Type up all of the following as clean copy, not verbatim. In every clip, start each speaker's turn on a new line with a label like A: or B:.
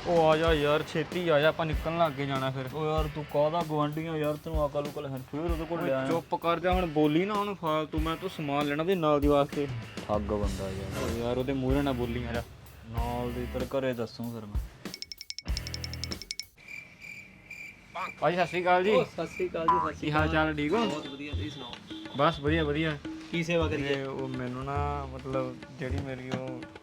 A: ਉਹ ਆ ਜਾ ਯਾਰ, ਛੇਤੀ ਆ ਜਾ, ਆਪਾਂ ਨਿਕਲਣ ਲੱਗ ਕੇ ਜਾਣਾ ਫਿਰ।
B: ਓ ਯਾਰ ਤੂੰ ਕਾਹਦਾ ਗਵਾਂਢੀਆਂ ਯਾਰ, ਤੈਨੂੰ ਅਕਲ ਉਕਲ ਹੈ ਫਿਰ ਉਹਦੇ ਕੋਲ ਲਿਆ।
A: ਚੁੱਪ ਕਰ ਜਾ ਹੁਣ, ਬੋਲੀ ਨਾ ਉਹਨੂੰ ਫਾਲਤੂ। ਮੈਂ ਤੂੰ ਸਮਾਨ ਲੈਣਾ ਤੇ ਨਾਲ ਦੀ ਵਾਸਤੇ।
B: ਠੱਗ ਬੰਦਾ ਯਾਰ।
A: ਓ ਯਾਰ ਉਹਦੇ ਮੂਹਰੇ ਨਾ ਬੋਲੀ ਯਾਰ।
B: ਨਾਲ ਦੀ ਤੇਰੇ ਘਰੇ ਦੱਸੂ ਫਿਰ ਮੈਂ।
A: ਭਾਜੀ ਸਤਿ ਸ਼੍ਰੀ ਅਕਾਲ ਜੀ।
C: ਸਤਿ ਸ੍ਰੀ ਅਕਾਲ ਜੀ। ਸਤਿ
A: ਕੀ ਹਾਲ ਚਾਲ, ਠੀਕ ਹੋ?
C: ਬਹੁਤ ਵਧੀਆ, ਤੁਸੀਂ ਸੁਣਾਓ?
A: ਬਸ ਵਧੀਆ ਵਧੀਆ।
C: ਕੀ ਸੇਵਾ ਕਰੀਏ?
A: ਤੇ ਉਹ ਮੈਨੂੰ ਨਾ ਮਤਲਬ ਜਿਹੜੀ ਮੇਰੀ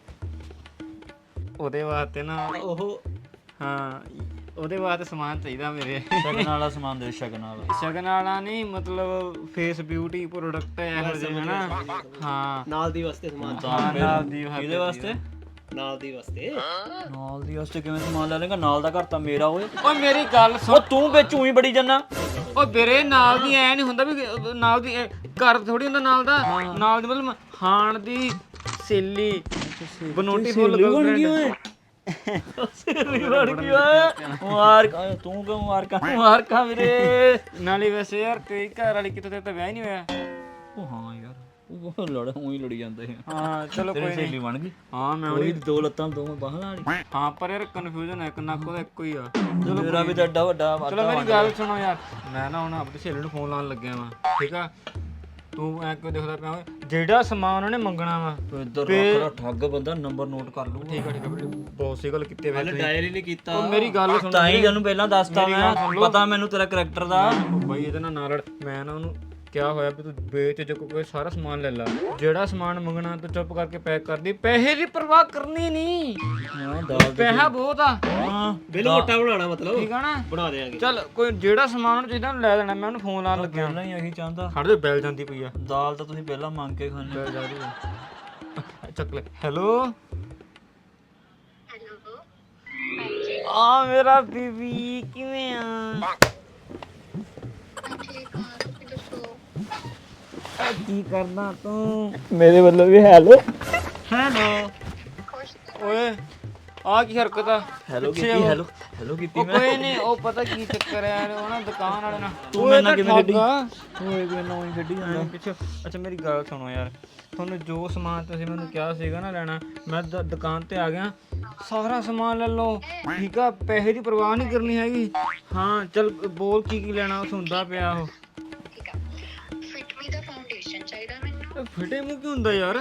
A: ਉਹਦੇ ਵਾਸਤੇ ਨਾ
C: ਉਹ
A: ਹਾਂ, ਉਹਦੇ ਵਾਸਤੇ ਸਮਾਨ ਚਾਹੀਦਾ ਮੇਰੇ।
B: ਸ਼ਗਨ ਵਾਲਾ ਸਮਾਨ ਦੇ, ਸ਼ਗਨ ਵਾਲਾ।
A: ਸ਼ਗਨ ਵਾਲਾ ਨਹੀਂ, ਮਤਲਬ ਫੇਸ ਬਿਊਟੀ ਪ੍ਰੋਡਕਟ ਇਹੋ ਜਿਹੇ ਹਨਾ। ਹਾਂ
C: ਨਾਲ ਦੀ ਵਾਸਤੇ ਸਮਾਨ
A: ਹਾਂ, ਨਾਲ ਦੀ
B: ਇਹਦੇ ਵਾਸਤੇ
C: ਨਾਲ ਦੀ ਵਾਸਤੇ
B: ਨਾਲ ਦੀ ਵਾਸਤੇ ਕਿਵੇਂ ਸਮਾਨ ਲੈ ਲੇਗਾ? ਨਾਲ ਦਾ ਘਰ ਤਾਂ ਮੇਰਾ ਓਏ।
A: ਓਏ ਮੇਰੀ ਗੱਲ
B: ਓ
A: ਸੁਣ।
B: ਤੂੰ ਵਿੱਚ ਉਹੀ ਬੜੀ ਜੰਨਾ।
A: ਓ ਵੀਰੇ ਨਾਲ ਦੀ ਐ ਨਹੀਂ ਹੁੰਦਾ ਵੀ ਨਾਲ ਦੀ ਘਰ ਥੋੜੀ ਹੁੰਦਾ ਨਾਲ ਦਾ। ਨਾਲ ਦੀ ਮਤਲਬ ਹਾਣ ਦੀ ਸੇਲੀ, ਬਨੋਟੀ ਫੁੱਲ
B: ਬਣ ਗਈ ਓਏ। ਸੇਲੀ ਬਣ ਗਈ ਓਏ। ਮਾਰ ਤੂੰ ਕਿਉਂ ਮਾਰ ਕਾ ਵੀਰੇ।
A: ਨਾਲੇ ਵੈਸੇ ਯਾਰ ਕਈ ਘਰ ਵਾਲੀ ਕਿਤੇ ਤੇ ਤਾਂ ਵਿਆਹ ਹੀ ਨਹੀਂ ਹੋਇਆ।
B: ਉਹ ਹਾਂ ਯਾਰ, ਉਹ ਉਹੀ ਲੜੀ ਜਾਂਦੇ ਆ।
A: ਹਾਂ ਚਲੋ ਕੋਈ
B: ਤੇਰੀ
A: ਨਹੀਂ।
B: ਸੇਲੀ ਬਣ ਗਈ।
A: ਹਾਂ ਮੈਂ
B: ਉਹਦੀ
A: ਉਹਦੀ
B: ਦੋ ਲੱਤਾਂ ਦੋਵੇਂ ਬਾਹਾਂ ਵਾਲੀ।
A: ਹਾਂ ਪਰ ਯਾਰ ਕਨਫਿਊਜ਼ਨ ਹੈ, ਨੱਕ ਉਹਦਾ ਇੱਕੋ ਹੀ ਆ।
B: ਮੇਰਾ ਵੀ ਤਾਂ ਐਡਾ ਵੱਡਾ
A: ਚਲੋ ਮੇਰੀ ਗੱਲ ਸੁਣੋ ਯਾਰ, ਮੈਂ ਨਾ ਹੁਣ ਆਪਣੀ ਸਹੇਲੀ ਨੂੰ ਫੋਨ ਲਾਉਣ ਲੱਗਿਆ ਵਾਂ, ਠੀਕ ਆ? ਤੂੰ ਐ ਕਿਉਂ ਦੇਖਦਾ ਪਿਆ ਓਏ? ਜਿਹੜਾ ਸਮਾਨ ਉਹਨੇ ਮੰਗਣਾ ਵਾ
B: ਇੱਧਰ ਰੱਖ ਠੱਗ ਬੰਦਾ, ਨੰਬਰ ਨੋਟ ਕਰ ਲੂ।
A: ਠੀਕ ਆ ਠੀਕ ਆ ਵੀਰੇ, ਬਹੁਤ ਸਹੀ ਗੱਲ ਕੀਤੀ ਵੈਸੇ ਤੁਸੀਂ।
C: ਡਾਇਰੀ ਨਹੀਂ ਕੀਤਾ।
A: ਉਹ ਮੇਰੀ ਗੱਲ ਸੁਣ।
B: ਤਾਂ ਹੀ ਤੈਨੂੰ ਪਹਿਲਾਂ ਦੱਸਤਾ ਮੈਂ, ਪਤਾ ਮੈਨੂੰ ਤੇਰਾ ਕਰੈਕਟਰ ਦਾ।
A: ਬਾਈ ਇਹਦੇ ਨਾਲ ਲੜ। ਮੈਂ ਨਾ ਉਹਨੂੰ ਕਿਹਾ ਹੋਇਆ ਵੀ ਤੂੰ ਵੇਚ ਜੇ ਕੋਈ ਸਾਰਾ ਸਮਾਨ ਲੈ ਲੈ, ਜਿਹੜਾ ਸਮਾਨ ਮੰਗਣਾ ਤੂੰ ਚੁੱਪ ਕਰਕੇ ਪੈਕ ਕਰ ਦੀ। ਪੈਸੇ ਦੀ ਪਰਵਾਹ ਕਰਨੀ ਨਹੀਂ,
B: ਹਾਂ ਦਾਲ
A: ਪੈਸਾ ਬਹੁਤ ਆ।
B: ਹਾਂ
C: ਬਿੱਲ ਮੋਟਾ ਬਣਾਉਣਾ ਮਤਲਬ
A: ਠੀਕ ਆ ਨਾ?
C: ਬਣਾ ਦੇਾਂਗੇ।
A: ਚੱਲ ਕੋਈ ਜਿਹੜਾ ਸਮਾਨ ਉਹਨੂੰ ਚਾਹੀਦਾ ਉਹਨੂੰ ਲੈ ਲੈਣਾ। ਮੈਂ ਉਹਨੂੰ ਫੋਨ ਲਾਉਣ ਲੱਗਿਆ।
B: ਪਹਿਲਾਂ ਹੀ ਇਹੀ ਚਾਹੁੰਦਾ।
A: ਖੜ ਦੇ, ਬੈਲ ਜਾਂਦੀ ਪਈ ਆ।
B: ਦਾਲ ਤਾਂ ਤੁਸੀਂ ਪਹਿਲਾਂ ਮੰਗ ਕੇ ਖਾਣੇ।
A: ਚੱਕ ਲੈ। ਹੈਲੋ ਆ ਮੇਰਾ ਬੀਬੀ, ਕਿਵੇਂ ਆ? ਕੀ ਕਰਦਾ ਤੂੰ? ਮੇਰੇ ਵੱਲੋਂ ਵੀ ਹੈਲੋ। ਹੈਲੋ ਓਏ, ਆ ਕੀ ਹਰਕਤ ਆ?
B: ਹੈਲੋ ਕੀਤੀ, ਹੈਲੋ ਕੀਤੀ
A: ਉਹ
B: ਮੈਂ।
A: ਕੋਈ ਨਹੀਂ, ਉਹ ਪਤਾ ਕੀ ਚੱਕਰ ਹੈ ਯਾਰ, ਉਹ ਨਾ ਦੁਕਾਨ ਵਾਲੇ ਨਾਲ
B: ਤੂੰ ਮੇਰੇ ਨਾਲ ਕਿਵੇਂ ਗੱਡੀ?
A: ਓਏ
B: ਓਏ ਕੋਈ ਨੌਂ ਗੱਡੀ ਜਾਂਦਾ
A: ਪਿੱਛੇ। ਅੱਛਾ ਮੇਰੀ ਗੱਲ ਸੁਣੋ ਯਾਰ, ਤੁਹਾਨੂੰ ਜੋ ਸਮਾਨ ਤੁਸੀਂ ਮੈਨੂੰ ਕਿਹਾ ਸੀਗਾ ਨਾ ਲੈਣਾ, ਮੈਂ ਦੁਕਾਨ ਤੇ ਆ ਗਿਆ। ਸਾਰਾ ਸਮਾਨ ਲੈ ਲਓ, ਠੀਕ ਆ? ਪੈਸੇ ਦੀ ਪਰਵਾਹ ਨਹੀਂ ਕਰਨੀ ਹੈਗੀ। ਹਾਂ ਚੱਲ ਬੋਲ ਕੀ ਕੀ ਲੈਣਾ? ਉਹ ਸੁਣਦਾ ਪਿਆ ਉਹ। ਫਿਟੇ ਮੂੰਹ ਕੀ ਹੁੰਦਾ ਯਾਰ?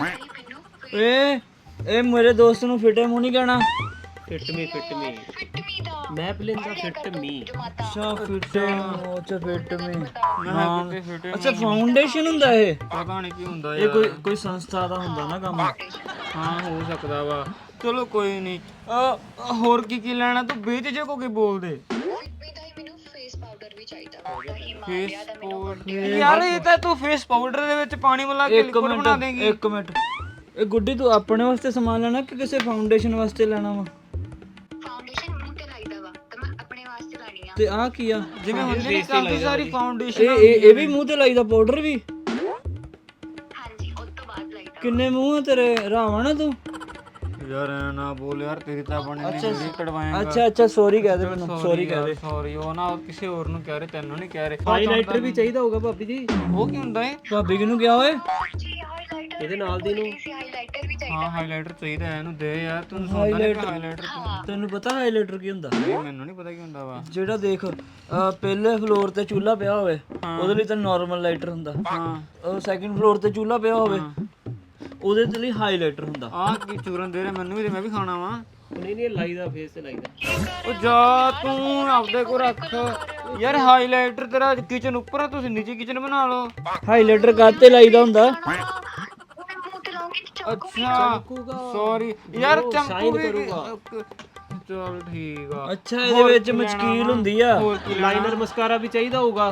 B: ਇਹ ਮੇਰੇ ਦੋਸਤ ਨੂੰ ਫਿਟੇ ਮੂੰਹ ਨਹੀਂ ਕਹਿਣਾ।
C: ਫਿੱਟ ਮੀ ਮੈਂ ਪਲੇਂਦਾ ਫਿੱਟ ਮੀ।
B: ਅੱਛਾ ਫਿਟੇ ਮੂੰਹ, ਅੱਛਾ ਫਿਟ ਮੀ।
A: ਮੈਂ ਕਿਤੇ ਫਿਟੇ
B: ਅੱਛਾ ਫਾਊਂਡੇਸ਼ਨ ਹੁੰਦਾ ਇਹ?
A: ਪਤਾ ਨਹੀਂ ਕੀ ਹੁੰਦਾ
B: ਇਹ
A: ਯਾਰ।
B: ਕੋਈ ਸੰਸਥਾ ਦਾ ਹੁੰਦਾ ਨਾ ਕੰਮ।
A: ਹਾਂ ਹੋ ਸਕਦਾ ਵਾ। ਚਲੋ ਕੋਈ ਨਹੀਂ। ਹੋਰ ਕੀ ਕੀ ਲੈਣਾ? ਤੂੰ ਵੇਚ ਜੇ ਕੋ ਕੀ ਬੋਲਦੇ? ਯਾਰ ਇਹ ਤਾਂ ਤੂੰ ਫੇਸ ਪਾਊਡਰ ਦੇ ਵਿੱਚ ਪਾਣੀ ਮਿਲਾ ਕੇ ਲਿਕਵਿਡ ਬਣਾ ਦੇਂਗੀ।
B: ਇੱਕ ਮਿੰਟ, ਇਹ ਗੁੱਡੀ ਤੂੰ ਆਪਣੇ ਵਾਸਤੇ ਸਮਾਨ ਲੈਣਾ ਕਿ ਕਿਸੇ ਫਾਊਂਡੇਸ਼ਨ ਵਾਸਤੇ ਲੈਣਾ ਵਾ? ਤੇ ਆਹ ਕੀ ਆ?
A: ਜਿਵੇਂ ਹੁੰਦੀ ਨਹੀਂ ਕਾਫੀ ਸਾਰੀ ਫਾਊਂਡੇਸ਼ਨ।
B: ਇਹ ਵੀ ਮੂੰਹ ਤੇ ਲਾਈਦਾ ਪਾਊਡਰ ਵੀ? ਕਿੰਨੇ ਮੂੰਹ ਆ ਤੇਰੇ, ਰਾਵਣ ਆ ਤੂੰ?
A: ਯਾਰ ਨਾ ਬੋਲ ਯਾਰ, ਤੇਰੀ ਤਾਂ ਬਣਨੀ ਵੀਡੀਓ ਕਢਵਾਏਗਾ।
B: ਅੱਛਾ ਸੌਰੀ ਕਹਿ ਦੇ ਮੈਨੂੰ, ਸੌਰੀ ਕਹਿ ਦੇ।
A: ਸੌਰੀ, ਉਹ ਨਾ ਕਿਸੇ ਹੋਰ ਨੂੰ ਕਹਿ ਰਹੇ, ਤੈਨੂੰ ਨਹੀਂ ਕਹਿ ਰਹੇ।
C: ਹਾਈਲਾਈਟਰ ਵੀ ਚਾਹੀਦਾ ਹੋਊਗਾ ਭਾਬੀ ਜੀ।
A: ਉਹ ਕੀ ਹੁੰਦਾ ਏ?
B: ਭਾਬੀ ਕਿਹਨੂੰ ਕਿਹਾ ਓਏ?
C: ਇਹਦੇ ਨਾਲ ਦੀ ਨੂੰ।
A: ਹਾਂ ਹਾਈਲਾਈਟਰ ਚਾਹੀਦਾ ਹੈ ਇਹਨੂੰ, ਦੇ ਯਾਰ। ਤੂੰ ਸੁਣਦਾ ਨਹੀਂ ਹਾਈਲਾਈਟਰ?
B: ਤੈਨੂੰ ਪਤਾ ਹਾਈਲਾਈਟਰ ਕੀ ਹੁੰਦਾ?
A: ਮੈਨੂੰ ਨਹੀਂ ਪਤਾ ਕੀ ਹੁੰਦਾ ਵਾ।
B: ਜਿਹੜਾ ਦੇਖ ਪਹਿਲੇ ਫਲੋਰ ਤੇ ਚੁੱਲ੍ਹਾ ਪਿਆ ਹੋਵੇ, ਉਹਦੇ ਲਈ ਤਾਂ ਨਾਰਮਲ ਲਾਈਟਰ ਹੁੰਦਾ।
A: ਹਾਂ।
B: ਉਹ ਸੈਕਿੰਡ ਫਲੋਰ ਤੇ ਚੁੱਲ੍ਹਾ ਪਿਆ ਹੋਵੇ, ਉਹਦੇ ਤੇ ਲਈ ਹਾਈਲਾਈਟਰ ਹੁੰਦਾ।
A: ਆਹ ਕੀ ਚੂਰਨ ਦੇ ਰਿਹਾ ਮੈਨੂੰ ਵੀ, ਤੇ ਮੈਂ ਵੀ ਖਾਣਾ ਵਾ।
C: ਨਹੀਂ ਲਾਈਦਾ ਫੇਸ ਤੇ ਲਾਈਦਾ।
A: ਉਹ ਜਾ ਤੂੰ ਆਪਦੇ ਕੋ ਰੱਖ ਯਾਰ। ਹਾਈਲਾਈਟਰ ਤੇਰਾ ਕਿਚਨ ਉੱਪਰ ਆ, ਤੁਸੀਂ ਨੀਚੇ ਕਿਚਨ ਬਣਾ ਲਓ।
B: ਹਾਈਲਾਈਟਰ ਕਾਹਤੇ ਲਾਈਦਾ ਹੁੰਦਾ?
A: ਅੱਛਾ ਸੌਰੀ ਯਾਰ, ਚੰਕੂ ਵੀ। ਚਲ ਠੀਕ ਆ।
B: ਅੱਛਾ ਇਹਦੇ ਵਿੱਚ ਮਸ਼ਕੀਲ ਹੁੰਦੀ ਆ।
C: ਲਾਈਨਰ ਮਸਕਾਰਾ ਵੀ ਚਾਹੀਦਾ ਹੋਊਗਾ।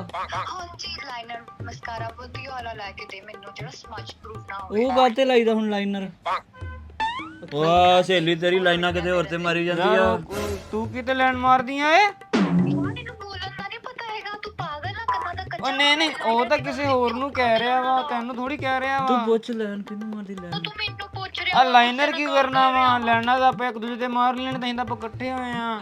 B: ਉਹ ਕਾਹਤੇ ਲਾਈਦਾ ਹੁਣ ਲਾਈਨਰ? ਵਾਹ ਸਹੇਲੀ ਤੇਰੀ ਲਾਈਨਾਂ ਕਿਤੇ ਹੋਰ ਤੇ ਮਾਰੀ ਜਾਂਦੀ ਆ।
A: ਤੂੰ ਕਿਤੇ ਲੈਣ ਮਾਰਦੀ ਆ ਏ? ਉਹ ਨਹੀਂ ਉਹ ਤਾਂ ਕਿਸੇ ਹੋਰ ਨੂੰ ਕਹਿ ਰਿਹਾ ਵਾ, ਤੈਨੂੰ ਥੋੜੀ ਕਹਿ ਰਿਹਾ ਵਾ।
B: ਤੂੰ ਪੁੱਛ ਲੈਣ ਕਿਹਨੂੰ ਮਾਰਦੀ ਲੈਣ?
A: ਆ ਲਾਈਨਰ ਕੀ ਕਰਨਾ ਵਾ? ਲੈਣਾ ਤਾਂ ਆਪਾਂ ਇੱਕ ਦੂਜੇ ਤੇ ਮਾਰ ਲੈਣ, ਤਾਂ ਆਪਾਂ ਇਕੱਠੇ ਹੋਏ ਆ।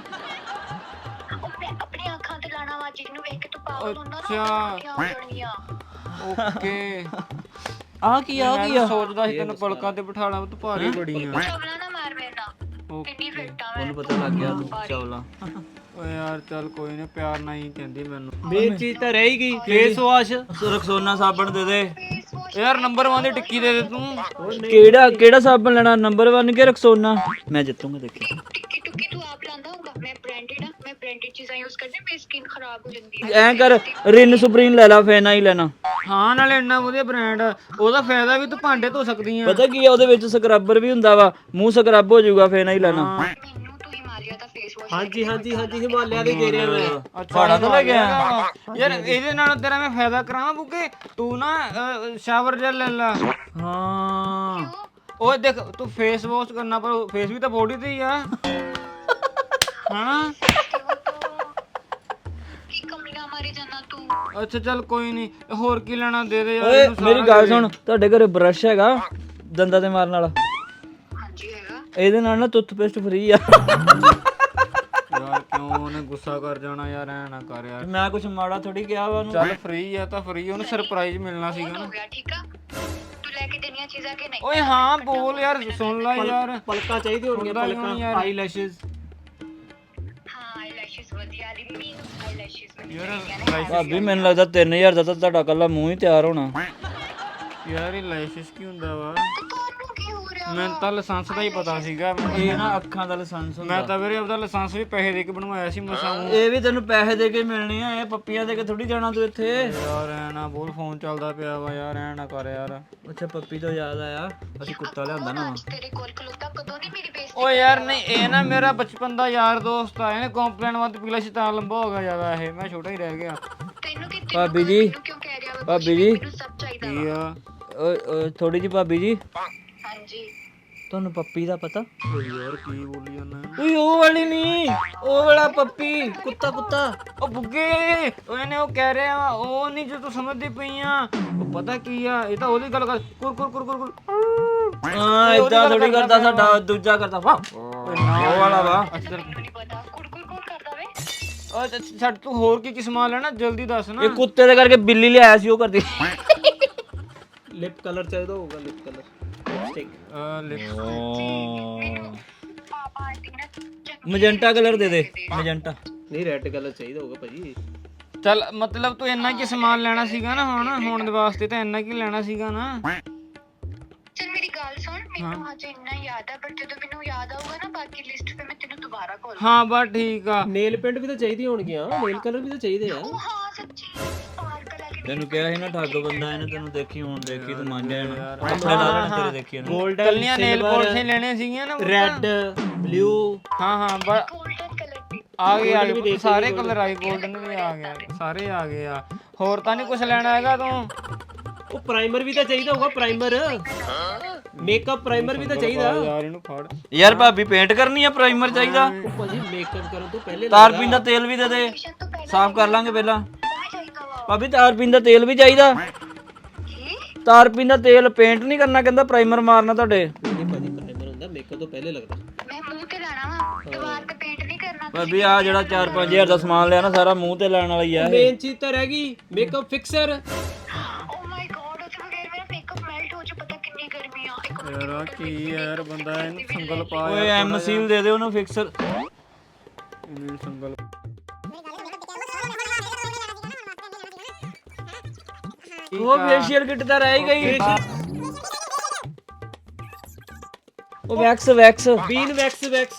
A: ਓਕੇ।
B: ਆ ਕੀ
A: ਸੋਚਦਾ ਸੀ ਤੈਨੂੰ ਪਲਕਾਂ ਤੇ ਬਿਠਾਣਾ, ਤੂੰ ਭਾਰੀ ਬੜੀ ਆ। ਓਕੇ
B: ਉਹਨੂੰ ਪਤਾ ਲੱਗ ਗਿਆ ਤੂੰ ਚੌਲਾ।
A: ਓਏ ਯਾਰ ਚੱਲ ਕੋਈ ਨਹੀਂ, ਪਿਆਰ ਨਾਲ ਹੀ ਕਹਿੰਦੀ ਮੈਨੂੰ।
C: ਮੇਨ ਚੀਜ਼ ਤਾਂ ਰਹਿ ਗਈ ਫੇਸ ਵਾਸ਼।
B: ਰਕਸੋਨਾ ਸਾਬਣ ਦੇ ਦੇ
A: ਯਾਰ ਨੰਬਰ 1 ਦੀ ਟਿੱਕੀ ਦੇ ਦੇ ਤੂੰ।
B: ਕਿਹੜਾ ਸਾਬਣ ਲੈਣਾ? ਨੰਬਰ 1 ਕੇ ਰਕਸੋਨਾ? ਮੈਂ ਜਿੱਤੂਗਾ ਦੇਖੀ।
D: ਟਿੱਕੀ ਟੁੱਕੀ ਤੂੰ ਆਪ ਲਾਂਦਾ ਹੋਗਾ। ਮੈਂ ਬ੍ਰਾਂਡਡ ਆ, ਮੈਂ ਬ੍ਰਾਂਡਡ ਚੀਜ਼ਾਂ ਯੂਜ਼ ਕਰਦੀ, ਮੇਰੀ ਸਕਿਨ ਖਰਾਬ ਹੋ ਜਾਂਦੀ ਹੈ।
B: ਐਂ ਕਰ ਰਿਨ ਸੁਪਰੀਮ ਲੈ ਲਾ, ਫੇਨਾ ਹੀ ਲੈਣਾ।
A: ਹਾਂ ਨਾਲੇ ਇੰਨਾ ਵਧੀਆ ਬ੍ਰਾਂਡ, ਉਹਦਾ ਫਾਇਦਾ ਵੀ ਤੂੰ ਭਾਂਡੇ ਧੋ ਸਕਦੀ ਆ।
B: ਪਤਾ ਕੀ ਆ ਉਹਦੇ ਵਿੱਚ ਸਕਰਬਰ ਵੀ ਹੁੰਦਾ ਵਾ, ਮੂੰਹ ਸਕਰਬ ਹੋ ਜਾਊਗਾ, ਫੇਨਾ ਹੀ ਲੈਣਾ।
D: ਮੈਨੂੰ ਤੂੰ ਹਿਮਾਲਿਆ ਦਾ ਫੇਸ ਵਾਸ਼
C: ਹਾਂਜੀ ਹਿਮਾਲਿਆ ਦੇ ਕਹਿ ਰਿਹਾ ਮੈਂ।
A: ਅੱਛਾ ਤਾਂ ਲੈ ਗਿਆ ਯਾਰ, ਇਹਦੇ ਨਾਲ ਤੇਰਾ ਮੈਂ ਫਾਇਦਾ ਕਰਾਵਾਂ ਬੁੱਕੇ। ਤੂੰ ਨਾ ਸ਼ਾਵਰ ਜੈਲ ਲੈ ਲਾ।
B: ਹਾਂ
A: ਓਏ ਦੇਖ ਤੂੰ ਫੇਸ ਵਾਸ਼ ਕਰਨਾ, ਪਰ ਫੇਸ ਵੀ ਤਾਂ ਬੋਡੀ ਤੇ ਹੀ ਆ ਹਨਾ।
D: ਕੀ ਕਮੀਆਂ ਮਾਰੀ ਜਾਨਾ ਤੂੰ।
A: ਅੱਛਾ ਚੱਲ ਕੋਈ ਨਹੀਂ, ਹੋਰ ਕੀ ਲੈਣਾ ਦੇ ਦੇ ਯਾਰ।
B: ਓਏ
A: ਇਹਨੂੰ
B: ਮੇਰੀ
A: ਸਾਰਾ
B: ਗੱਲ
A: ਦੇ।
B: ਸੁਣ, ਤੁਹਾਡੇ ਘਰੇ ਬ੍ਰਸ਼ ਹੈਗਾ ਦੰਦਾਂ ਤੇ ਮਾਰਨ ਵਾਲਾ?
D: ਹਾਂਜੀ ਹੈਗਾ।
B: ਇਹਦੇ ਨਾਲ ਨਾ ਟੁੱਥਪੇਸਟ ਫ੍ਰੀ ਆ।
A: ਯਾਰ ਕਿਉਂ ਉਹਨੇ ਗੁੱਸਾ ਕਰ ਜਾਣਾ ਯਾਰ, ਐ ਨਾ ਕਰ ਯਾਰ।
B: ਮੈਂ ਕੁਝ ਮਾੜਾ ਥੋੜੀ ਕਿਹਾ ਵਾ ਉਹਨੂੰ।
A: ਚੱਲ ਫ੍ਰੀ ਆ ਤਾਂ ਫ੍ਰੀ, ਉਹਨੂੰ ਸਰਪ੍ਰਾਈਜ਼ ਮਿਲਣਾ ਸੀਗਾ
D: ਹੋ
A: ਨਾ।
D: ਗਿਆ ਠੀਕ ਆ। ਤੂੰ ਲੈ ਕੇ ਦੇਣੀਆਂ ਚੀਜ਼ਾਂ ਕਿ ਨਹੀਂ।
A: ਓਏ ਹਾਂ ਬੋਲ ਯਾਰ, ਸੁਣ ਲੈ ਯਾਰ।
C: ਪਲਕਾਂ ਚਾਹੀਦੀ ਹੋਣਗੀਆਂ,
A: ਹੁੰਦਾ ਹੀ ਹੋਣੀ
C: ਪਲਕਾਂ
A: ਯਾਰ।
C: ਆਈਲੈਸ਼ਸ।
D: ਹਾਂ ਆਈਲੈਸ਼ਸ ਵਧੀਆ ਰਿਮੀ ਆਈਲੈਸ਼ਸ
A: ਯਾਰ
B: ਭਾਬੀ ਮੈਨੂੰ ਲੱਗਦਾ 3000 ਦਾ ਤਾਂ ਤੁਹਾਡਾ ਕੱਲਾ ਮੂੰਹ ਹੀ ਤਿਆਰ ਹੋਣਾ।
A: ਯਾਰ ਇਹ ਲਾਇਸੈਂਸ ਕੀ ਹੁੰਦਾ ਵਾ?
D: ਤੁਹਾਨੂੰ ਕੀ ਹੋ ਰਿਹਾ।
A: ਮੈਨੂੰ ਤਾਂ ਲਾਇਸੈਂਸ ਦਾ ਹੀ ਪਤਾ ਸੀਗਾ।
B: ਇਹ ਨਾ ਅੱਖਾਂ ਦਾ ਲਾਇਸੈਂਸ ਹੁੰਦਾ।
A: ਮੈਂ ਤਾਂ ਵੀਰੇ ਆਪਦਾ ਲਾਇਸੈਂਸ ਵੀ ਪੈਸੇ ਦੇ ਕੇ ਬਣਵਾਇਆ ਸੀ ਮਸਾਂ।
B: ਇਹ ਵੀ ਤੈਨੂੰ ਪੈਸੇ ਦੇ ਕੇ ਮਿਲਣੀ ਆ, ਇਹ ਪੱਪੀਆਂ ਦੇ ਕੇ ਥੋੜੀ ਜਾਣਾ ਤੂੰ ਇੱਥੇ।
A: ਯਾਰ ਐ ਨਾ ਬੋਲ, ਫੋਨ ਚੱਲਦਾ ਪਿਆ ਵਾ ਯਾਰ, ਐ ਨਾ ਕਰ ਯਾਰ।
B: ਅੱਛਾ ਪੱਪੀ ਤੋਂ ਯਾਦ ਆਇਆ, ਅਸੀਂ ਕੁੱਤਾ ਲਿਆਂਦਾ ਨਾ।
D: ਤੇਰੇ ਕੋਲ ਖਲੋਤਾ ਕਦੋਂ ਦੀ ਮੇਰੀ ਬੇਇੱਜ਼ਤੀ।
A: ਓ ਯਾਰ ਨਹੀਂ, ਇਹ ਨਾ ਮੇਰਾ ਬਚਪਨ ਦਾ ਯਾਰ ਦੋਸਤ ਆ। ਇਹਨੇ ਕੰਪਲੇਨ ਵੱਧ ਪਿਛਲਾ ਸੀ ਤਾਂ ਲੰਬਾ ਹੋ ਗਿਆ ਜ਼ਿਆਦਾ, ਇਹ ਮੈਂ ਛੋਟਾ ਹੀ ਰਹਿ ਗਿਆ।
D: ਤੈਨੂੰ ਕਿ
B: ਭਾਬੀ ਜੀ,
D: ਕਿਉਂ ਕਹਿ ਰਿਹਾ ਵਾ।
B: ਭਾਬੀ ਜੀ,
D: ਮੈਨੂੰ ਸਭ ਚਾਹੀਦਾ
A: ਕੀ ਆ?
B: ਓਏ ਥੋੜੀ ਜੀ ਭਾਬੀ ਜੀ,
D: ਹਾਂਜੀ
B: ਤੁਹਾਨੂੰ ਪੱਪੀ ਦਾ ਪਤਾ?
A: ਓ ਯਾਰ ਕੀ ਬੋਲੀ ਜਾਂਦਾ?
B: ਓਏ ਉਹ ਵਾਲੀ ਨਹੀਂ, ਉਹ ਵਾਲਾ ਪੱਪੀ, ਕੁੱਤਾ।
A: ਓ ਬੁੱਗੇ, ਓ ਇਹਨੇ ਉਹ ਕਹਿ ਰਿਹਾ ਵਾ, ਉਹ ਨਹੀਂ ਜੋ ਤੂੰ ਸਮਝਦੀ ਪਈ ਆ। ਉਹ ਪਤਾ ਕੀ ਆ, ਇਹ ਤਾਂ ਉਹਦੀ ਗੱਲ ਕਰ, ਕੁਰ ਕੁਰ ਕੁਰ ਕੁਰ।
B: ਹਾਂ ਇਦਾਂ ਥੋੜੀ ਕਰਦਾ, ਸਾਡਾ ਦੂਜਾ ਕਰਦਾ ਵਾ, ਉਹ ਵਾਲਾ ਵਾ।
A: ਅੱਛਾ
D: ਮੈਨੂੰ ਨਹੀਂ ਪਤਾ। ਕੁੜਕੁੜ ਕੌਣ ਕਰਦਾ ਵੇ।
A: ਓ ਛੱਡ, ਤੂੰ ਹੋਰ ਕੀ ਸਮਾਨ ਲੈਣਾ ਜਲਦੀ ਦੱਸ ਨਾ।
B: ਇਹ ਕੁੱਤੇ ਦੇ ਕਰਕੇ ਬਿੱਲੀ ਲਿਆਇਆ ਸੀ, ਉਹ ਕਰਦੀ।
C: ਲਿਪ ਕਲਰ ਚਾਹੀਦਾ ਹੋਊਗਾ, ਲਿਪ ਕਲਰ ਲਿਪਸਟਿਕ।
D: ਪਾਪਾ ਆਈ ਥਿੰਕ ਨਾ
B: ਮਜੈਂਟਾ ਕਲਰ ਦੇ ਦੇ, ਮਜੈਂਟਾ।
C: ਨਹੀਂ ਰੈੱਡ ਕਲਰ ਚਾਹੀਦਾ ਹੋਊਗਾ ਭਾਜੀ।
A: ਚੱਲ ਮਤਲਬ ਤੂੰ ਇੰਨਾ ਕੀ ਸਮਾਨ ਲੈਣਾ ਸੀਗਾ ਨਾ, ਹੁਣ ਦੇ ਵਾਸਤੇ ਤਾਂ ਇੰਨਾ ਕੀ ਲੈਣਾ ਸੀਗਾ ਨਾ।
D: ਚਲ ਮੇਰੀ ਗੱਲ ਸੁਣ, ਮੈਨੂੰ ਹਜੇ ਇੰਨਾ ਯਾਦ ਆ, ਪਰ ਜਦੋਂ ਮੈਨੂੰ ਯਾਦ ਆਊਗਾ ਨਾ ਬਾਕੀ ਲਿਸਟ ਤੇ ਮੈਂ ਤੈਨੂੰ ਦੁਬਾਰਾ ਕਾਲ।
A: ਹਾਂ ਬਸ ਠੀਕ ਆ।
C: ਨੇਲ ਪੇਂਟ ਵੀ ਤਾਂ ਚਾਹੀਦੀ ਹੋਣਗੀਆਂ, ਨੇਲ ਕਲਰ ਵੀ ਤਾਂ ਚਾਹੀਦੇ ਆ।
D: ਉਹ ਹਾਂ ਸੱਚੀ ਪਾਰਕ ਲੈ ਕੇ
B: ਤੈਨੂੰ ਕਿਹਾ ਸੀ ਨਾ ਠੱਗ ਬੰਦਾ, ਇਹਨੇ ਤੈਨੂੰ ਦੇਖੀ, ਹੁਣ ਦੇਖੀ ਤੂੰ ਮੰਨ ਜਾਣਾ। ਕੱਪੜੇ ਲਾ ਲੈਣੇ ਤੇਰੇ ਦੇਖੀ ਇਹਨੇ।
C: ਗੋਲਡਨ,
A: ਕੱਲੀਆਂ ਨੇਲ ਪੋਲਿਸ਼ ਲੈਣੀਆਂ ਸੀਗੀਆਂ ਨਾ।
C: Red, blue.
A: ਹਾਂ
D: ਗੋਲਡਨ ਕਲਰ ਦੀ।
A: ਆ ਗਏ ਸਾਰੇ ਕਲਰ ਆ ਗਏ, 골ਡਨ ਵੀ ਆ ਗਿਆ, ਸਾਰੇ ਆ ਗਏ ਆ। ਹੋਰ ਤਾਂ ਨਹੀਂ ਕੁਝ ਲੈਣਾ ਹੈਗਾ ਤੂੰ?
C: ਉਹ ਪ੍ਰਾਈਮਰ ਵੀ ਤਾਂ ਚਾਹੀਦਾ ਹੋਊਗਾ, ਪ੍ਰਾਈਮਰ। ਮੇਕਅਪ ਪ੍ਰਾਈਮਰ ਵੀ ਤਾਂ ਚਾਹੀਦਾ।
A: ਯਾਰ ਇਹਨੂੰ ਫੜ।
B: ਯਾਰ ਭਾਬੀ ਪੇਂਟ ਕਰਨੀ ਆ, ਪ੍ਰਾਈਮਰ ਚਾਹੀਦਾ।
C: ਉਹ ਭਾਜੀ ਮੇਕਅਪ ਕਰਨ ਤੋਂ ਪਹਿਲੇ
B: ਤਾਰ ਪੀਣ ਦਾ ਤੇਲ ਵੀ ਦੇ ਦੇ,
D: ਟਿਊਸ਼ਨ ਤੋਂ ਪਹਿਲਾਂ
B: ਸਾਫ਼ ਕਰ ਲਾਂਗੇ ਪਹਿਲਾਂ।
D: ਮੈਂ ਚਾਹੀਦਾ ਵਾ।
B: ਭਾਬੀ ਤਾਰ ਪੀਣ ਦਾ ਤੇਲ ਵੀ ਚਾਹੀਦਾ।
D: ਕੀ
B: ਤਾਰ ਪੀਣ ਦਾ ਤੇਲ, ਪੇਂਟ ਨਹੀਂ ਕਰਨਾ, ਕਹਿੰਦਾ ਪ੍ਰਾਈਮਰ ਮਾਰਨਾ ਤੁਹਾਡੇ।
C: ਨਹੀਂ ਭਾਜੀ, ਪ੍ਰਾਈਮਰ ਹੁੰਦਾ ਮੇਕਅਪ ਤੋਂ ਪਹਿਲੇ ਲੱਗਦਾ।
D: ਮੈਂ ਮੂੰਹ ਤੇ ਲਾਣਾ ਵਾ, ਦੀਵਾਰ ਤੇ ਪੇਂਟ ਨਹੀਂ ਕਰਨਾ।
B: ਭਾਬੀ ਆ ਜਿਹੜਾ 4-5000 ਦਾ ਸਮਾਨ ਲਿਆ ਨਾ, ਸਾਰਾ ਮੂੰਹ ਤੇ ਲਾਉਣ ਵਾਲਾ ਹੀ ਆ ਇਹ।
C: ਮੇਨ ਚੀਜ਼ ਤਾਂ ਰਹਿ ਗਈ, makeup fixer.
D: Oh my God, ਉਸ ਬਗੈਰ ਮੇਰਾ ਮੇਕਅਪ ਮੈਲਟ ਹੋ ਜਾ। ਪਤਾ ਕਿੰਨੀ ਗਰਮੀ ਆ। ਇੱਕ ਮਿੰਟ
A: ਯਾਰ ਕੀ ਯਾਰ, ਬੰਦਾ ਇਹਨੂੰ ਸੰਗਲ ਪਾ
B: ਓਏ ਐਮ ਸੀਲ ਦੇ ਦੇ ਉਹਨੂੰ, ਫਿਕਸਰ।
A: ਇਹਨੂੰ ਸੰਗਲ।
B: ਉਹ ਫੇਸ਼ੀਅਲ ਕਿੱਟ ਤਾਂ ਰਹਿ ਹੀ ਗਈ। ਉਹ ਵੈਕਸ।
C: ਬੀਨ ਵੈਕਸ।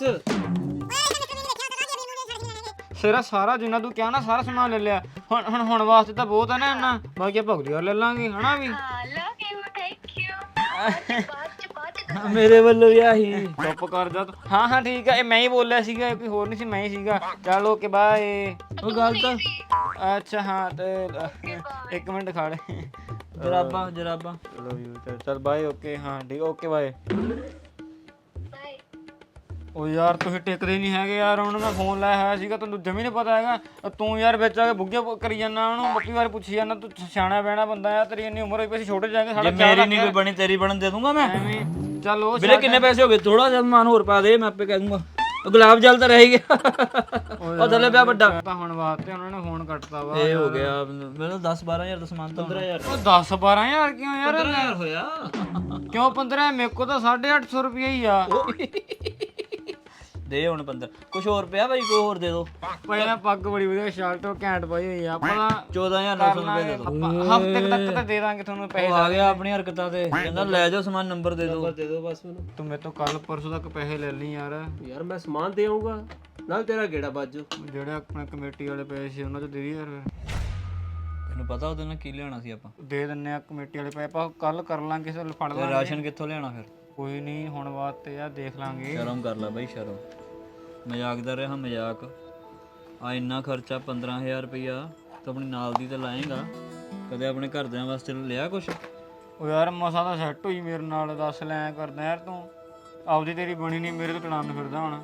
A: ਸਿਰਾ ਸਾਰਾ ਜਿੰਨਾ ਤੂੰ ਕਿਹਾ ਨਾ, ਸਾਰਾ ਸਮਾਨ ਲੈ ਲਿਆ। ਹੁਣ ਵਾਸਤੇ ਤਾਂ ਬਹੁਤ ਹੈ ਨਾ ਇੰਨਾ, ਬਾਕੀ ਆਪਾਂ ਅਗਲੀ ਵਾਰ ਲੈ ਲਾਂਗੇ ਹਨਾ ਵੀ।
D: Love you, thank you. ਬਾਅਦ ਚ
B: ਮੇਰੇ ਵੱਲੋਂ ਵੀ ਆਹੀ।
A: ਚੁੱਪ ਕਰ ਜਾ ਤੂੰ। ਹਾਂ ਠੀਕ ਆ, ਇਹ ਮੈਂ ਹੀ ਬੋਲਿਆ ਸੀਗਾ, ਕੋਈ ਹੋਰ ਨਹੀਂ ਸੀ, ਮੈਂ ਹੀ ਸੀਗਾ। ਚੱਲ ਓਕੇ ਬਾਏ।
B: ਉਹ ਗੱਲ ਤਾਂ
A: ਅੱਛਾ ਹਾਂ ਤੇ ਇੱਕ ਮਿੰਟ ਖੜ।
B: ਜਰਾਬਾਂ।
A: Love you. ਚੱਲ ਬਾਏ। ਓਕੇ ਹਾਂ ਠੀਕ, ਓਕੇ ਬਾਏ।
D: ਬਾਏ।
A: ਉਹ ਯਾਰ ਤੁਸੀਂ ਟਿਕਦੇ ਨਹੀਂ ਹੈਗੇ ਯਾਰ। ਹੁਣ ਮੈਂ ਫੋਨ ਲਾਇਆ ਹੋਇਆ ਸੀਗਾ, ਤੈਨੂੰ ਜਮੀ ਨਹੀਂ ਪਤਾ ਹੈਗਾ। ਤੂੰ ਯਾਰ ਵਿੱਚ ਆ ਕੇ ਬੁੱਗੇ ਕਰੀ ਜਾਂਦਾ ਉਹਨੂੰ, ਬੱਕੀ ਵਾਰ ਪੁੱਛੀ ਜਾਂਦਾ। ਤੂੰ ਸਿਆਣਾ ਬਹਿਣਾ ਬੰਦਾ ਆ, ਤੇਰੀ ਇੰਨੀ ਉਮਰ ਹੋਈ ਪਈ, ਅਸੀਂ ਛੋਟੇ ਜਾਏਂਗੇ। ਸਾਡਾ
B: ਮੇਰੀ ਨਹੀਂ ਕੋਈ ਬਣੀ, ਤੇਰੀ ਬਣਨ ਦੇ ਦੂੰਗਾ ਮੈਂ।
A: ਐਵੇਂ ਚੱਲ ਉਹ
B: ਵੀਰੇ ਕਿੰਨੇ ਪੈਸੇ ਹੋ ਗਏ? ਥੋੜਾ ਜਿਹਾ ਸਮਾਨ ਹੋਰ ਪਾ ਦੇ, ਮੈਂ ਆਪੇ ਕਹਿ ਦੂੰਗਾ। ਉਹ ਗੁਲਾਬ ਜਲ ਤਾਂ ਰਹਿ ਗਿਆ, ਉਹ ਥੱਲੇ ਪਿਆ ਵੱਡਾ।
A: ਤਾਂ ਹੁਣ ਵਾਸਤੇ ਉਹਨਾਂ ਨੇ ਫੋਨ ਕੱਟਤਾ ਵਾ।
B: ਇਹ ਹੋ ਗਿਆ ਮੈਨੂੰ 10-12 ਹਜ਼ਾਰ ਦਾ ਸਮਾਨ ਤਾਂ
C: 15,000
A: ਉਹ 10-12 ਹਜ਼ਾਰ ਕਿਉਂ ਯਾਰ?
C: 15,000 ਹੋਇਆ।
A: ਕਿਉਂ 15? ਮੇਰੇ ਕੋਲ ਤਾਂ 850 ਰੁਪਏ ਹੀ ਆ।
B: ਦੇ ਹੁਣ 15 ਕੁਝ ਹੋਰ ਪਿਆ ਭਾਈ, ਕੋਈ ਹੋਰ ਦੇ ਦੋ।
A: ਪਹਿਲਾਂ ਪੱਗ ਬੜੀ ਵਧੀਆ ਸ਼ਰਟ ਉਹ ਘੈਂਟ ਪਾਈ ਹੋਈ ਆ ਆਪਾਂ
B: 14900 ਰੁਪਏ ਦੇ ਦੋ।
A: ਹਫ਼ਤੇ ਤੱਕ ਤਾਂ ਦੇ ਦਾਂਗੇ ਤੁਹਾਨੂੰ ਪੈਸੇ।
B: ਉਹ ਆ ਗਿਆ ਆਪਣੀ ਹਰਕਤਾਂ ਤੇ, ਕਹਿੰਦਾ ਲੈ ਜਾਓ ਸਮਾਨ, ਨੰਬਰ ਦੇ ਦਿਓ।
C: ਦੇ ਦਿਓ ਬਸ ਮੈਨੂੰ।
A: ਤੂੰ ਮੇਰੇ ਤੋਂ ਕੱਲ ਪਰਸੋਂ ਤੱਕ ਪੈਸੇ ਲੈ ਲਈ ਯਾਰ।
C: ਯਾਰ ਮੈਂ ਸਮਾਨ ਦੇ ਆਉਂਗਾ ਨਾਲ ਤੇਰਾ ਗੇੜਾ ਬਾਜੂ।
A: ਜਿਹੜੇ ਆਪਣੇ ਕਮੇਟੀ ਵਾਲੇ ਪੈਸੇ ਸੀ ਉਹਨਾਂ ਤੋਂ ਦੇ ਦੀ ਯਾਰ।
B: ਤੈਨੂੰ ਪਤਾ ਉਹਦੇ ਨਾਲ ਕੀ ਲਿਆਉਣਾ ਸੀ ਆਪਾਂ?
A: ਦੇ ਦਿੰਨੇ ਆ ਕਮੇਟੀ ਵਾਲੇ ਪੈਸੇ, ਆਪਾਂ ਕੱਲ ਕਰ ਲਾਂਗੇ, ਚੱਲ ਫੜ
B: ਤੇ
A: ਲਾਂਗੇ।
B: ਰਾਸ਼ਨ ਕਿੱਥੋਂ ਲਿਆਉਣਾ ਫਿਰ?
A: ਕੋਈ ਨਹੀਂ ਹੁਣ ਬਾਤ ਤੇ ਆ ਦੇਖ ਲਾਂਗੇ।
B: ਸ਼ਰਮ ਕਰ ਲੈ ਬਾਈ, ਸ਼ਰਮ। ਮਜ਼ਾਕ ਦਾ ਰਿਹਾ ਮਜ਼ਾਕ। ਆ ਇੰਨਾ ਖਰਚਾ 15000 ਰੁਪਇਆ ਤੂੰ ਆਪਣੀ ਨਾਲ ਦੀ ਤੇ ਲਾਏਗਾ, ਕਦੇ ਆਪਣੇ ਘਰਦਿਆਂ ਵਾਸਤੇ ਲਿਆ ਕੁਛ?
A: ਉਹ ਯਾਰ ਮਸਾ ਤਾਂ ਸੈੱਟ ਹੋਈ ਮੇਰੇ ਨਾਲ, ਦੱਸ ਲੈ ਐਂ ਕਰਦਾ ਯਾਰ ਤੂੰ। ਆਪਦੀ ਤੇਰੀ ਬਣੀ ਨਹੀਂ, ਮੇਰੇ ਤੋਂ ਟੜਾਨ ਫਿਰਦਾ ਹੁਣ।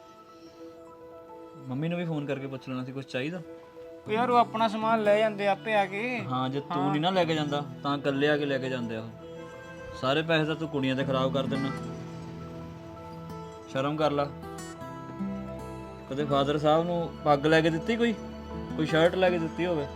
B: ਮੰਮੀ ਨੂੰ ਵੀ ਫੋਨ ਕਰਕੇ ਪੁੱਛ ਲੈਣਾ ਸੀ ਕੁਝ ਚਾਹੀਦਾ।
A: ਉਹ ਯਾਰ ਉਹ ਆਪਣਾ ਸਮਾਨ ਲੈ ਜਾਂਦੇ ਆਪੇ ਆ ਕੇ।
B: ਹਾਂ ਜੇ ਤੂੰ ਨਹੀਂ ਨਾ ਲੈ ਕੇ ਜਾਂਦਾ ਤਾਂ ਇਕੱਲੇ ਆ ਕੇ ਲੈ ਕੇ ਜਾਂਦੇ ਆ ਉਹ। ਸਾਰੇ ਪੈਸੇ ਤਾਂ ਤੂੰ ਕੁੜੀਆਂ ਤੇ ਖਰਾਬ ਕਰ ਦਿੰਦਾ। ਸ਼ਰਮ ਕਰ ਲਾ। ਕਦੇ ਫਾਦਰ ਸਾਹਿਬ ਨੂੰ ਪੱਗ ਲੈ ਕੇ ਦਿੱਤੀ, ਕੋਈ ਸ਼ਰਟ ਲੈ ਕੇ ਦਿੱਤੀ ਹੋਵੇ?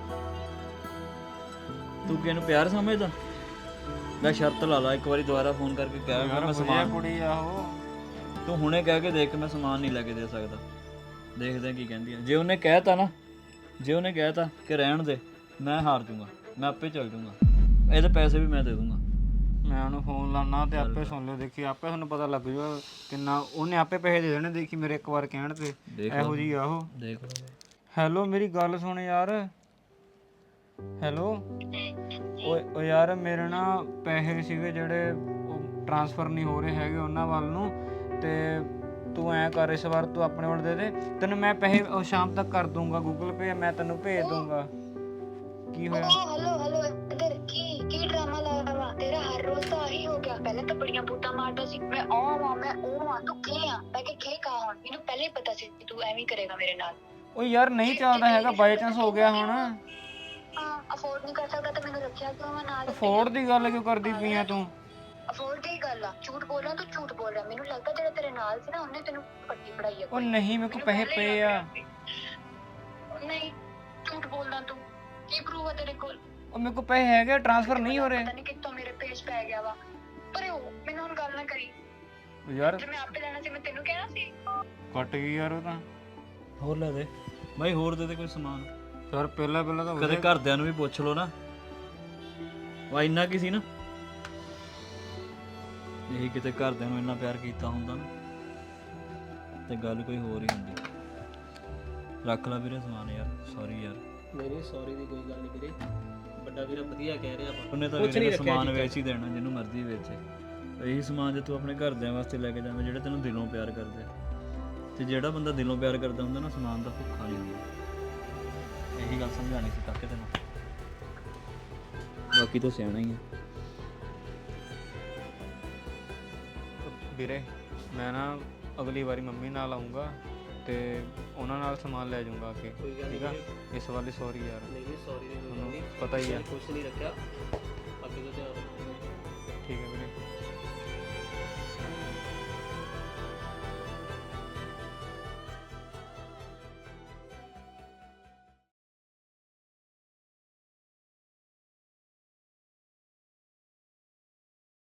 B: ਤੂੰ ਕਿਹਨੂੰ ਪਿਆਰ ਸਮਝਦਾ? ਲੈ ਸ਼ਰਤ ਲਾ ਲਾ, ਇੱਕ ਵਾਰੀ ਦੁਬਾਰਾ ਫੋਨ ਕਰਕੇ ਕਹਿ ਮੈਂ
A: ਵਧੀਆ
B: ਸਮਾਨ।
A: ਕੁੜੀ ਆ ਉਹ।
B: ਤੂੰ ਹੁਣੇ ਕਹਿ ਕੇ ਦੇਖ, ਮੈਂ ਸਮਾਨ ਨਹੀਂ ਲੈ ਕੇ ਦੇ ਸਕਦਾ। ਦੇਖਦੇ ਕੀ ਕਹਿੰਦੀ ਆ। ਜੇ ਉਹਨੇ ਕਹਿਤਾ ਨਾ, ਜੇ ਉਹਨੇ ਕਹਿਤਾ ਕਿ ਰਹਿਣ ਦੇ, ਮੈਂ ਹਾਰ ਜਾਊਂਗਾ, ਮੈਂ ਆਪੇ ਚੱਲ ਜਾਊਂਗਾ। ਇਹਦੇ ਪੈਸੇ ਵੀ ਮੈਂ ਦੇ ਦੂੰਗਾ।
A: ਮੈਂ ਉਹਨੂੰ ਫੋਨ ਲਾਉਣਾ ਤੇ ਆਪੇ ਸੁਣ ਲਿਓ, ਦੇਖੀ ਆਪੇ ਤੁਹਾਨੂੰ ਪਤਾ ਲੱਗ ਜਾਊਗਾ ਕਿੰਨਾ ਉਹਨੇ ਆਪੇ ਪੈਸੇ ਦੇ ਦੇਣੇ। ਦੇਖੀ ਮੇਰੇ ਇੱਕ ਵਾਰ ਕਹਿਣ ਤੇ ਇਹੋ ਜੀ ਆ ਉਹ।
B: ਦੇਖ ਲਓ।
A: ਹੈਲੋ ਮੇਰੀ ਗੱਲ ਸੁਣ ਯਾਰ। ਹੈਲੋ ਓਏ ਯਾਰ ਮੇਰੇ ਨਾ ਪੈਸੇ ਸੀਗੇ ਜਿਹੜੇ ਉਹ ਟ੍ਰਾਂਸਫਰ ਨਹੀਂ ਹੋ ਰਹੇ ਹੈਗੇ ਉਹਨਾਂ ਵੱਲ ਨੂੰ, ਤੇ ਤੂੰ ਐਂ ਕਰ ਇਸ ਵਾਰ ਤੂੰ ਆਪਣੇ ਵੱਲ ਦੇ ਦੇ, ਤੈਨੂੰ ਮੈਂ ਪੈਸੇ ਉਹ ਸ਼ਾਮ ਤੱਕ ਕਰ ਦੂੰਗਾ, ਗੂਗਲ ਪੇ ਮੈਂ ਤੈਨੂੰ ਭੇਜ ਦੂੰਗਾ। ਕੀ ਹੋਇਆ?
D: हेलो इधर की ड्रामा लगा हुआ तेरा? हर रोज तो आही हो गया। पहले तो बड़ियां बूटा मारता सी, मैं तू के आ मैं के कहा हुन मैनू पहले ही पता सी तू एवें करेगा मेरे नाल।
A: ਓ ਯਾਰ ਨਹੀਂ ਚੱਲਦਾ ਹੈਗਾ, ਬਾਈ ਚਾਂਸ ਹੋ ਗਿਆ ਹੁਣ।
D: हां अफोर्ड नहीं कर सकता तो मैनू रखिया क्यों? मैं नाल
A: ਫੋੜ ਦੀ ਗੱਲ ਕਿਉਂ ਕਰਦੀ ਪਈ ਆ ਤੂੰ?
D: अफोर्ड दी गल आ, झूठ बोल रहा तू, झूठ बोल रहा। मैनू लगदा जेड़ा तेरे नाल सी ना उन्ने तेनू पट्टी पढ़ाई है।
A: ਉਹ ਨਹੀਂ ਮੇਰੇ ਕੋਲ ਪੈਸੇ ਪਏ ਆ।
D: नहीं झूठ बोलदा तू, की प्रूफ है तेरे कोल?
A: ਉਹ ਮੇਰੇ ਕੋਲ ਪੈਸੇ ਹੈਗੇ, ਟ੍ਰਾਂਸਫਰ ਨਹੀਂ ਹੋ ਰਹੇ।
D: पता नहीं कित्तों मेरे पेज पै गया वा। पर ओ मैनू हुन गल ना करी,
A: ਉਹ ਯਾਰ
D: जे मैं आपे लेना सी मैं तेनू कहना सी।
A: ਕੱਟ ਗਈ ਯਾਰ ਉਹ ਤਾਂ।
B: ਹੋਰ ਲੈ ਦੇ ਬਾਈ, ਹੋਰ ਦੇ ਦੇ ਕੋਈ ਸਮਾਨ।
A: ਯਾਰ ਪਹਿਲਾਂ ਤਾਂ
B: ਕਦੇ ਘਰਦਿਆਂ ਨੂੰ ਵੀ ਪੁੱਛ ਲਓ ਨਾ, ਵਾ ਇੰਨਾ ਕੀ ਸੀ ਨਾ। ਇਹੀ ਕਿਤੇ ਘਰਦਿਆਂ ਨੂੰ ਇੰਨਾ ਪਿਆਰ ਕੀਤਾ ਹੁੰਦਾ ਨਾ ਤੇ ਗੱਲ ਕੋਈ ਹੋਰ ਹੀ ਹੁੰਦੀ। ਰੱਖ ਲੈ ਵੀਰੇ ਸਮਾਨ ਯਾਰ, ਸੌਰੀ ਯਾਰ।
C: ਨਹੀਂ ਸੌਰੀ ਦੀ ਕੋਈ ਗੱਲ ਨਹੀਂ ਵੀਰੇ, ਵੱਡਾ ਵੀਰਾ ਵਧੀਆ ਕਹਿ ਰਿਹਾ ਵਾ।
B: ਉਹਨੇ ਤਾਂ ਵੀਰੇ ਸਮਾਨ ਵੇਚ ਹੀ ਦੇਣਾ ਜਿਹਨੂੰ ਮਰਜ਼ੀ ਵੇਚੇ। ਇਹੀ ਸਮਾਨ ਜੇ ਤੂੰ ਆਪਣੇ ਘਰਦਿਆਂ ਵਾਸਤੇ ਲੈ ਕੇ ਜਾਵੇਂ ਜਿਹੜੇ ਤੈਨੂੰ ਦਿਲੋਂ ਪਿਆਰ ਕਰਦੇ ਆ, ਤੇ ਜਿਹੜਾ ਬੰਦਾ ਦਿਲੋਂ ਪਿਆਰ ਕਰਦਾ ਹੁੰਦਾ ਨਾ, ਸਮਾਨ ਦਾ ਭੁੱਖਾ ਨਹੀਂ ਹੁੰਦਾ। ਇਹੀ ਗੱਲ ਸਮਝਾਣੀ ਸੀ ਕਾਕੇ ਤੈਨੂੰ, ਬਾਕੀ ਤਾਂ ਸਿਆਣਾ ਹੀ ਆ।
A: ਵੀਰੇ ਮੈਂ ਨਾ ਅਗਲੀ ਵਾਰੀ ਮੰਮੀ ਨਾਲ ਆਉਂਗਾ ਤੇ ਉਹਨਾਂ ਨਾਲ ਸਮਾਨ ਲੈ ਜਾਊਂਗਾ ਅੱਗੇ,
C: ਕੋਈ ਗੱਲ
A: ਠੀਕ ਆ?
C: ਨਹੀਂ
A: ਇਸ ਵਾਲੀ ਸੌਰੀ ਯਾਰ,
C: ਨਹੀਂ ਸੌਰੀ ਦੀ ਕੋਈ ਗੱਲ
A: ਤੁਹਾਨੂੰ
C: ਨਹੀਂ,
A: ਪਤਾ ਹੀ ਆ।
C: ਕੁਛ ਨਹੀਂ ਰੱਖਿਆ ਅੱਗੇ ਤੋਂ ਧਿਆਨ ਰੱਖਣਾ।